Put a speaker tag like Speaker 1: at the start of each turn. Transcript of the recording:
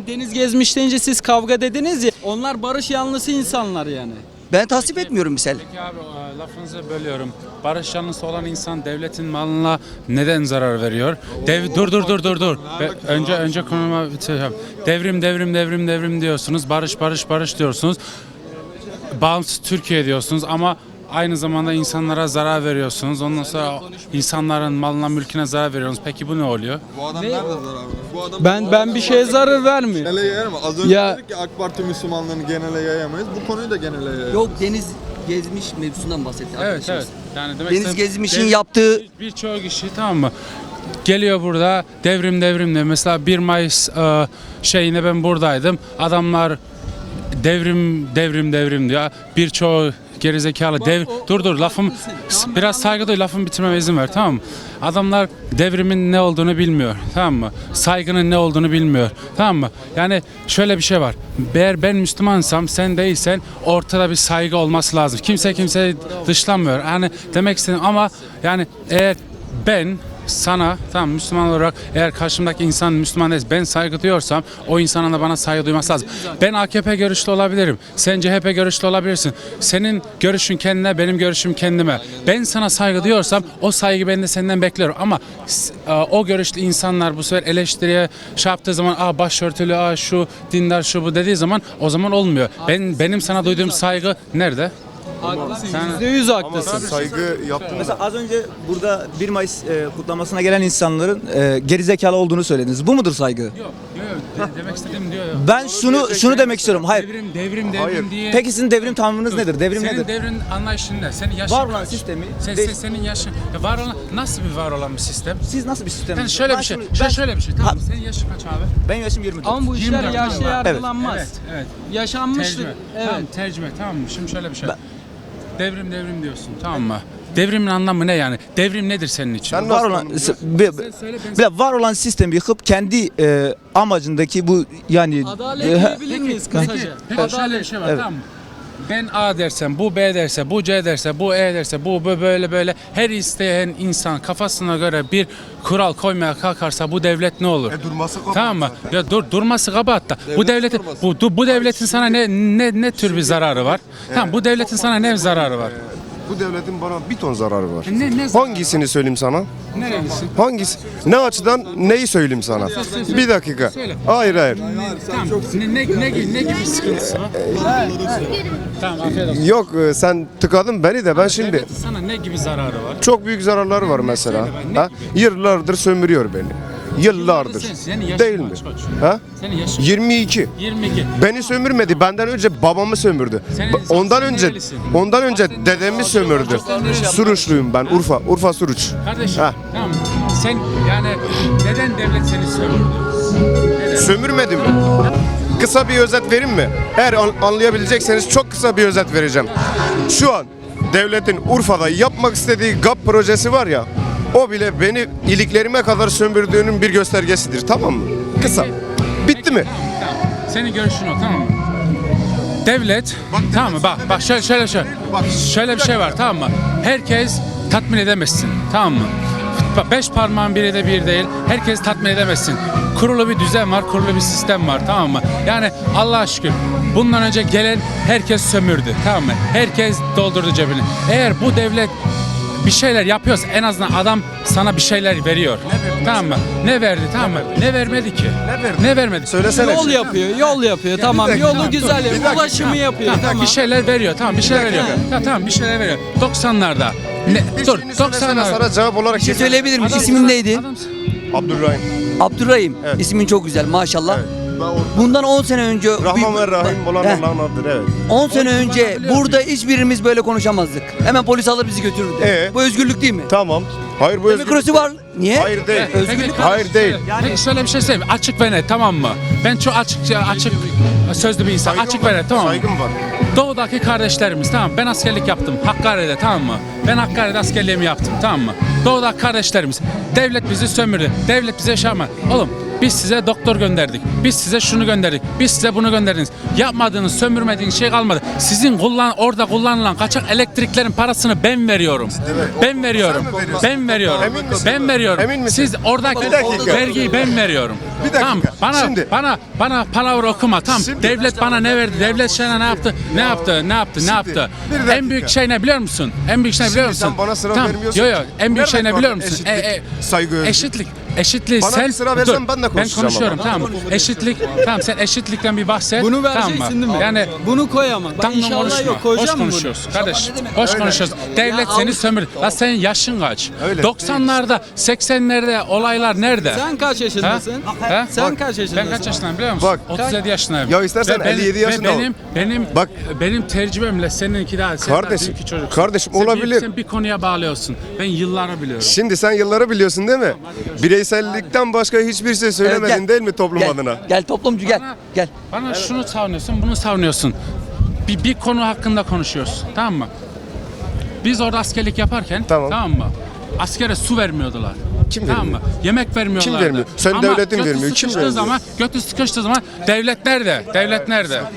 Speaker 1: Deniz gezmiş deyince siz kavga dediniz ya. Onlar barış yanlısı insanlar yani.
Speaker 2: Ben tasvip etmiyorum misal.
Speaker 3: Peki abi lafınızı bölüyorum. Barış yanlısı olan insan devletin malına neden zarar veriyor? Dur. Önce konuma bitireceğim. Devrim diyorsunuz. Barış diyorsunuz. Bağımsız Türkiye diyorsunuz ama aynı zamanda insanlara zarar veriyorsunuz. Ondan sonra insanların malına, mülküne zarar veriyorsunuz. Peki bu ne oluyor?
Speaker 4: Bu adam nerede zarar veriyor? Bu adam
Speaker 1: Ben bir şeye zarar vermiyorum.
Speaker 4: genele yayamayız. Az önce
Speaker 1: Ya-
Speaker 4: dedik ki AK Parti Müslümanlığını genele yayamayız. Bu konuyu da genele yayamayız.
Speaker 2: Yok, deniz gezmiş mevzusundan bahsetti arkadaşımız.
Speaker 3: Yani demek
Speaker 2: Deniz
Speaker 3: istediğim-
Speaker 2: gezmişin yaptığı
Speaker 3: birçok kişi, tamam mı? Geliyor burada devrim de mesela 1 Mayıs şeyine ben buradaydım. Adamlar devrim diyor. Birçoğu gerizekalı dur lafım biraz saygı duy, lafımı bitirmeme izin ver, tamam mı? Adamlar devrimin ne olduğunu bilmiyor, tamam mı? Saygının ne olduğunu bilmiyor, tamam mı? Yani şöyle bir şey var. Eğer ben Müslümansam, sen değilsen ortada bir saygı olması lazım. Kimse kimseyi dışlamıyor. Yani demek istedim ama yani eğer ben sana, tamam, Müslüman olarak eğer karşımdaki insan Müslüman değilse, ben saygı duyuyorsam o insanın da bana saygı duyması lazım. Ben AKP görüşlü olabilirim. Sen CHP görüşlü olabilirsin. Senin görüşün kendine, benim görüşüm kendime. Ben sana saygı duyuyorsam o saygı ben de senden bekliyorum. Ama o görüşlü insanlar bu sefer eleştiriye şey yaptığı zaman başörtülü, şu dindar, şu bu dediği zaman o zaman olmuyor. Benim sana duyduğum saygı nerede?
Speaker 1: Haklısın. %100 haklısın.
Speaker 4: Saygı yaptığımız
Speaker 5: Mesela az önce burada 1 Mayıs kutlamasına gelen insanların gerizekalı olduğunu söylediniz. Bu mudur saygı?
Speaker 3: Yok, demek istediğim diyor.
Speaker 5: Ben şunu demek istiyorum. Hayır.
Speaker 3: Devrim diye.
Speaker 5: Peki sizin devrim tanımınız nedir? Devrim
Speaker 3: Senin
Speaker 5: nedir?
Speaker 3: devrin anlayışın ne? Senin yaşın
Speaker 5: Var olan
Speaker 3: kaç?
Speaker 5: sistemi
Speaker 3: Senin yaşın. Var olan nasıl bir var olan bir sistem?
Speaker 5: Siz nasıl bir sistem?
Speaker 3: Yani şöyle bir şey. Şöyle bir şey. Tamam. Senin yaşın kaç abi?
Speaker 5: Ben yaşım 24.
Speaker 1: Ama bu işler
Speaker 3: 24
Speaker 1: yaşa
Speaker 3: var.
Speaker 1: yargılanmaz.
Speaker 3: Evet.
Speaker 1: Yaşanmıştır.
Speaker 3: Tercüme.
Speaker 1: Evet.
Speaker 3: Tamam, tercüme, tamam mı? Şimdi şöyle bir şey. Devrim diyorsun, tamam mı? Devrimin anlamı ne yani? Devrim nedir senin için?
Speaker 5: Var olan var olan sistemi yıkıp kendi amacındaki bu yani
Speaker 1: Adalet diyebilir miyiz kısaca?
Speaker 3: Peki şöyle bir şey var, tamam mı? Ben A dersem, bu B derse, bu C derse, bu E derse, bu böyle her isteyen insan kafasına göre bir kural koymaya kalkarsa bu devlet ne olur?
Speaker 4: durması kabahat
Speaker 3: Tamam mı?
Speaker 4: zaten.
Speaker 3: Ya durması kabahat da. Bu
Speaker 4: Devletin
Speaker 3: devletin
Speaker 4: durması.
Speaker 3: bu devletin sana ne tür bir zararı var? Tamam, bu devletin sana ne zararı var?
Speaker 6: Bu devletin bana bir ton zararı var.
Speaker 3: Ne zararı
Speaker 6: Hangisini söyleyeyim sana?
Speaker 3: Nerelisin?
Speaker 6: Hangisi? Ne açıdan neyi söyleyeyim sana? Bir dakika.
Speaker 3: Söyle.
Speaker 6: Hayır.
Speaker 3: Tamam. Ne gibi sıkıntısı var? Tamam, afiyet olsun.
Speaker 6: Yok sen tıkadın beni de ben şimdi
Speaker 3: Devletin sana ne gibi zararı var?
Speaker 6: çok büyük zararları var mesela.
Speaker 3: söyle ben, ne
Speaker 6: Ha? Yıllardır sömürüyor beni. Yıllardır.
Speaker 3: Senin yaşın
Speaker 6: Değil mi?
Speaker 3: kaç koç?
Speaker 6: Ha?
Speaker 3: Senin yaşın
Speaker 6: 22.
Speaker 3: 22.
Speaker 6: Beni sömürmedi. Benden önce babamı sömürdü. Ondan
Speaker 3: sen
Speaker 6: önce
Speaker 3: nerelisin?
Speaker 6: dedemi sömürdü.
Speaker 3: nerelisin?
Speaker 6: Suruçluyum ben. Urfa Suruç.
Speaker 3: Kardeşim,
Speaker 6: Ha.
Speaker 3: tamam. Sen yani neden devlet seni sömürdü?
Speaker 6: Sömürmedi mi? Kısa bir özet vereyim mi? Eğer anlayabilecekseniz çok kısa bir özet vereceğim. Şu an devletin Urfa'da yapmak istediği GAP projesi var ya, o bile beni iliklerime kadar sömürdüğünün bir göstergesidir, tamam mı? Kısa. Bitti mi?
Speaker 3: Tamam. Senin görüşün o, tamam mı? Devlet, tamam mı? Bak şöyle bir şey var, tamam mı? Herkes tatmin edemezsin, tamam mı? Bak, 5 parmağın biri de bir değil. Herkes tatmin edemezsin. Kurulu bir düzen var, kurulu bir sistem var, tamam mı? Yani Allah'a şükür bundan önce gelen herkes sömürdü, tamam mı? Herkes doldurdu cebini. Eğer bu devlet bir şeyler yapıyorsa en azından adam sana bir şeyler veriyor. Tamam mı? Ne verdi, tamam mı? Ne vermedi ki? Ne vermedi?
Speaker 6: Söylesene.
Speaker 1: Yol yapıyor. Tamam, yolu güzel yapıyor. Ulaşımı yapıyor.
Speaker 3: Tamam, bir şeyler veriyor. Tamam, bir şeyler veriyor. Tamam, bir şeyler veriyor. 90'larda. Dur, 90'larda.
Speaker 6: Sana cevap olarak
Speaker 2: bir şey söyleyebilir miyim? İsmin neydi?
Speaker 6: Abdurrahim.
Speaker 2: Abdurrahim.
Speaker 6: Evet.
Speaker 2: İsmin çok güzel maşallah.
Speaker 6: Evet.
Speaker 2: Bundan 10 sene önce
Speaker 6: Rahman ve Rahim olan
Speaker 2: Heh.
Speaker 6: Allah'ın adıdır, evet.
Speaker 2: 10 sene önce burada hiçbirimiz böyle konuşamazdık. Hemen polis alır bizi götürürdü. Bu özgürlük değil mi?
Speaker 6: Tamam. Hayır bu
Speaker 2: Demokrasi var. Niye?
Speaker 6: Hayır değil.
Speaker 2: Özgürlük var.
Speaker 6: Hayır değil.
Speaker 3: Peki şöyle bir şey söyleyeyim. Açık ve net, tamam mı? Ben çok açık sözlü bir insan. Açık ve net, tamam mı?
Speaker 6: Saygım var.
Speaker 3: Doğudaki kardeşlerimiz, tamam, ben askerlik yaptım Hakkari'de, tamam mı? Ben Hakkari'de askerliğimi yaptım, tamam mı? Doğudaki kardeşlerimiz, devlet bizi sömürdü, devlet bize yaşamadı. Oğlum Biz size doktor gönderdik. Biz size şunu gönderdik. Biz size bunu gönderdiniz. Yapmadığınız, sömürmediğiniz şey kalmadı. Sizin orada kullanılan kaçak elektriklerin parasını ben veriyorum. Ben veriyorum.
Speaker 6: Sen mi veriyorsun?
Speaker 3: Ben veriyorum.
Speaker 6: Emin misin?
Speaker 3: Ben veriyorum.
Speaker 6: Emin misin?
Speaker 3: Siz oradaki
Speaker 6: Bir dakika.
Speaker 3: vergiyi ben veriyorum.
Speaker 6: Bir dakika.
Speaker 3: Tamam.
Speaker 6: Şimdi-
Speaker 3: Bana palavra okuma. Tamam.
Speaker 6: Şimdi-
Speaker 3: Devlet bana ne verdi? Devlet sana ne yaptı? Ne yaptı? Ne yaptı? Ne
Speaker 6: Şimdi,
Speaker 3: yaptı?
Speaker 6: bir dakika.
Speaker 3: En büyük şey ne biliyor musun? En büyük şey ne biliyor
Speaker 6: Şimdi
Speaker 3: musun?
Speaker 6: sen bana sıra
Speaker 3: Tamam.
Speaker 6: vermiyorsun.
Speaker 3: Yo en büyük
Speaker 6: Nerede
Speaker 3: şey ne
Speaker 6: var
Speaker 3: biliyor musun?
Speaker 6: eşitlik, saygı, özgürlük?
Speaker 3: Eşitlik
Speaker 6: Bana
Speaker 3: sen
Speaker 6: bir sıra versen ben de konuşacağım
Speaker 3: konuşuyorum
Speaker 6: ama.
Speaker 3: tamam. Eşitlik tamam sen eşitlikten bir bahset.
Speaker 1: Bunu
Speaker 3: tamam
Speaker 1: vereceksin
Speaker 3: mı?
Speaker 1: değil mi?
Speaker 3: Yani
Speaker 1: bunu koy ama. Bak
Speaker 3: Tam
Speaker 1: inşallah
Speaker 3: konuşma.
Speaker 1: yok
Speaker 3: Boş
Speaker 1: koyacağım mı bunu?
Speaker 3: konuşuyoruz kardeş. Boş konuşuyoruz. Devlet
Speaker 1: Ya
Speaker 3: seni
Speaker 1: Avrupa-
Speaker 3: sömür. La senin yaşın kaç?
Speaker 6: Öyle.
Speaker 3: 90'larda, 80'lerde olaylar nerede?
Speaker 1: Sen kaç yaşındasın?
Speaker 3: Ha?
Speaker 1: Sen kaç yaşındasın?
Speaker 3: Ben kaç yaşındayım biliyor musun?
Speaker 6: Bak.
Speaker 3: 37 yaşındayım.
Speaker 6: Ya istersen
Speaker 3: Ve benim-
Speaker 6: 57 yaşında
Speaker 3: ve
Speaker 6: ol.
Speaker 3: Bak.
Speaker 6: Bak.
Speaker 3: Benim tecrübemle seninki daha. Sen daha
Speaker 6: Kardeşim,
Speaker 3: büyük çocuksun.
Speaker 6: kardeşim
Speaker 3: Sen
Speaker 6: olabilir.
Speaker 3: sen bir konuya bağlıyorsun. Ben yılları biliyorum.
Speaker 6: Şimdi sen yılları biliyorsun değil mi? Bireysellikten başka hiçbir şey söylemedin
Speaker 2: gel.
Speaker 6: değil mi toplum
Speaker 2: Gel,
Speaker 6: adına?
Speaker 2: gel toplumcu gel. Gel.
Speaker 3: Bana şunu savunuyorsun, bunu savunuyorsun. Bir konu hakkında konuşuyoruz. Tamam mı? Biz orada askerlik yaparken
Speaker 6: Tamam.
Speaker 3: mı? Askere su vermiyordular.
Speaker 6: Kim
Speaker 3: tamam
Speaker 6: vermiyor?
Speaker 3: mı? Yemek vermiyorlardı.
Speaker 6: Kim vermiyor? Sen
Speaker 3: Ama
Speaker 6: devletin
Speaker 3: götü
Speaker 6: vermiyor. Kim
Speaker 3: sıkıştığı
Speaker 6: vermiyor?
Speaker 3: zaman, götü sıkıştığı zaman devlet nerede? Devlet nerede?